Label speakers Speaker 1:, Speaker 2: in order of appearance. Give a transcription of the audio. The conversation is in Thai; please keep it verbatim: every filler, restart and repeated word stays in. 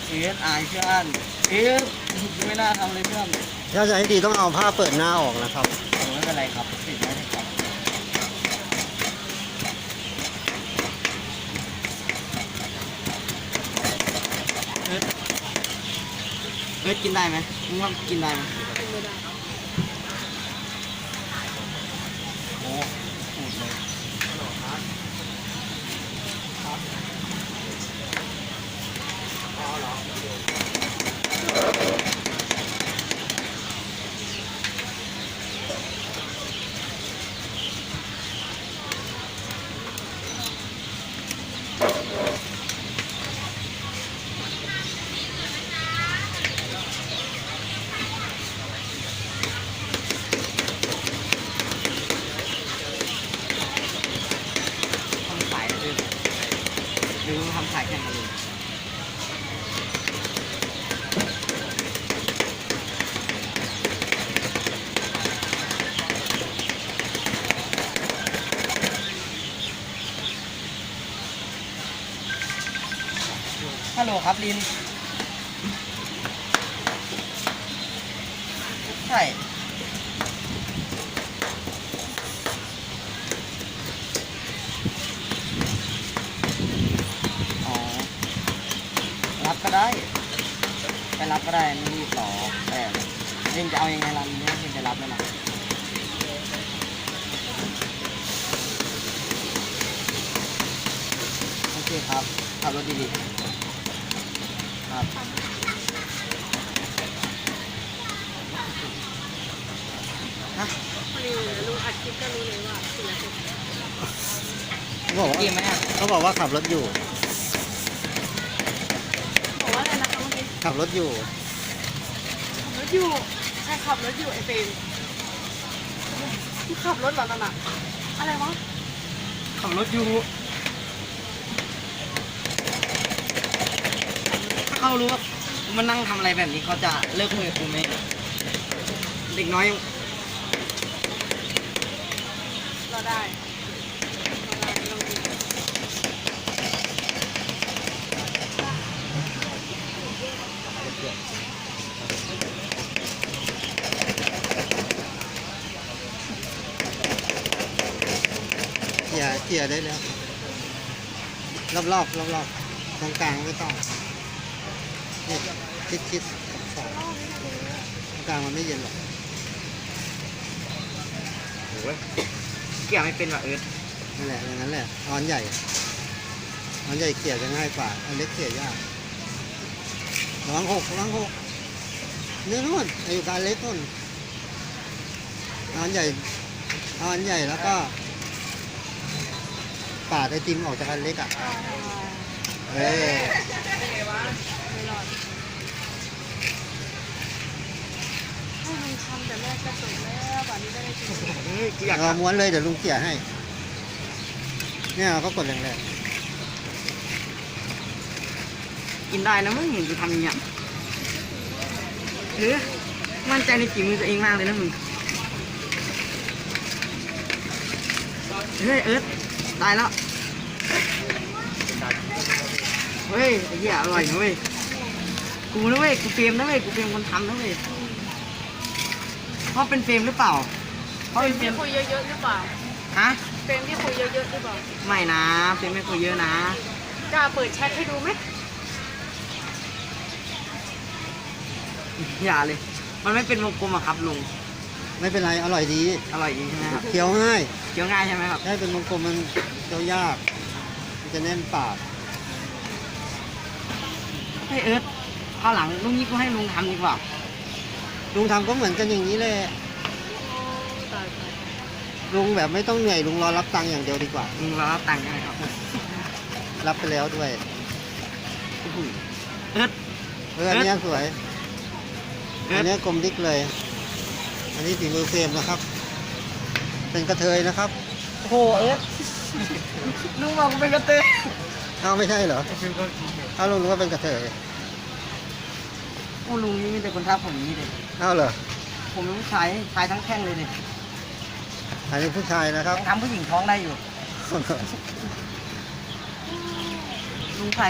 Speaker 1: เอสอายเพื่อนเอสไม่น่าทำเลยเพื่อน
Speaker 2: ถ้าจะให้ดีต้องเอาผ้าเปิดหน้าออกนะครับ
Speaker 1: ผมไม่เป็นไรครับติดไม่ได้ครับเอสเอสกินได้ไหมมึงว่ากินได้ไหมโอ้พูดเลยทำขายเลยหรือทำขายแข่งกันเลยฮัลโหลครับลินใช่อ๋อรับก็ได้ไปรับก็ได้ไม่มีต่อแต่เล่นจะเอายังไงล่ะเนี่ยเล่นจะรับไหมล่ะโอเคครับขับรถดีๆครับฮะ
Speaker 3: นี่ลุงอัดคลิปก็รู้เลยว่าศิลปิน
Speaker 2: เขาบอกว่า
Speaker 1: กินไหมอ่ะ
Speaker 2: เขาบอกว่าขับรถอยู่
Speaker 3: บอกว่าอะไรนะคะเมื่อกี้
Speaker 2: ขับรถอยู่
Speaker 3: ขับรถอยู่ใช่ขับรถอยู่ไอเฟรมมึงขับรถเหรอนั่นอะอะไรวะ
Speaker 1: ขับรถอยู่ถ้าเขารู้ว่ามันนั่งทำอะไรแบบนี้เขาจะเลิกคุยกับกูไหมเด็กน้อยยัง
Speaker 3: เราได้เราได้ลองดู
Speaker 2: เขี่ยเขี่ยได้แล้ว รอบรอบรอบรอบๆตรงกลางไม่ต้องนี่ชิดชิดสองตรงกลางมันไม่เย็นหรอก
Speaker 1: โอ้ยเกี่ยวไม่เป็นว่ะเอิร์ธ
Speaker 2: นั่นแหละอย่างนั้นแหละออนใหญ่ออนใหญ่เขี่ยจะง่ายกว่าอันเล็กเขี่ยยากระวังหกระวังหกเนื้อนู่นอยู่การเล็กนู่นออนใหญ่ออนใหญ่แล้วก็ปาดไอติมออกจากอันเล็กอ่ะเอ้ย
Speaker 3: เป็นไงวะไม่รอดให้ลุงทำแต่แรกก็จบแล้วป่านนี้ได้ได้จริง
Speaker 1: เฮ้ยกูอยาก
Speaker 2: เราม้วนเลยเดี๋ยวลุงเขี่ยให้ เนี่ยเราก็กดแรง
Speaker 1: กินได้นะมึงเห็นกูทำอย่างเงี้ยหรือมั่นใจในฝีมือตัวเองมากเลยนะมึงเฮ้ยเอิร์ธตายแล้วเฮ้ยไอ้เหี้ยอร่อยนะเว้ยกูนะเว้ยกูเฟรมนะเว้ยกูเฟรมคนทำนะเว้ยเพราะเป็นเฟรมหรือเปล่าเพ
Speaker 3: ๆ
Speaker 1: ราะ
Speaker 3: เฟร
Speaker 1: เป็นเฟรม
Speaker 3: มที่คุยเยอะๆหรือเปล่า
Speaker 1: ฮะ
Speaker 3: เฟรมที่คุยเยอะๆหรือเปล่า
Speaker 1: ไม่นะเฟรมไม่คุยเยอะนะ
Speaker 3: กล้าเปิดแชทให้ดูไหม
Speaker 1: อย่าเลย มันไม่เป็นวงกลมอะครับลุง
Speaker 2: ๆไม่เป็นไรอร่อยดี
Speaker 1: อร่อยดีใช่ไหมครับ
Speaker 2: เคี้ยวง่าย
Speaker 1: เคี้ยวง่ายใช่ไหมครับ
Speaker 2: ถ้าเป็นวงกลมมันเคี้ยวยากมันจะแน่นปาก
Speaker 1: ให้เอิร์ธข้าวหลังลุงนี้กูให้ลุงทำดีกว่า
Speaker 2: ลุงทำก็เหมือนกันอย่างนี้แหละ
Speaker 3: ตาย
Speaker 2: ลุงแบบไม่ต้องเหนื่อยลุงรอรับตังค์อย่างเดียวดีกว่า
Speaker 1: ลุงรอรับตังค์ใช่ไหมครับ
Speaker 2: รับไปแล้วด้วย
Speaker 1: โอ้โหเอิร์ธ
Speaker 2: เอออันเนี้ยสวย
Speaker 1: เอิ
Speaker 2: อั
Speaker 1: ร์
Speaker 2: น
Speaker 1: ธ
Speaker 2: เนี้ยกลมดิ๊กเลย อันนี้ฝีมือเฟรมนะครับ เป็นกระเทยนะครับ
Speaker 1: โอ้โหเอิร์ธลุงบอกกูเป็นกระเตย
Speaker 2: เอ้าไม่ใช่เหรอเอ้าลุงรู้ว่าเป็นกระเทย
Speaker 1: โอ้ลุงนี่มีแต่คนทักผมอย่างนี้เลย
Speaker 2: เอ้าเหรอ
Speaker 1: ผมเป็นผู้ชายชายทั้งแข้งเลยเนี่ย
Speaker 2: อันนี้ผู้ชายนะครับ
Speaker 1: ยังทำผู้หญิงท้องได้อยู่ลุงใส่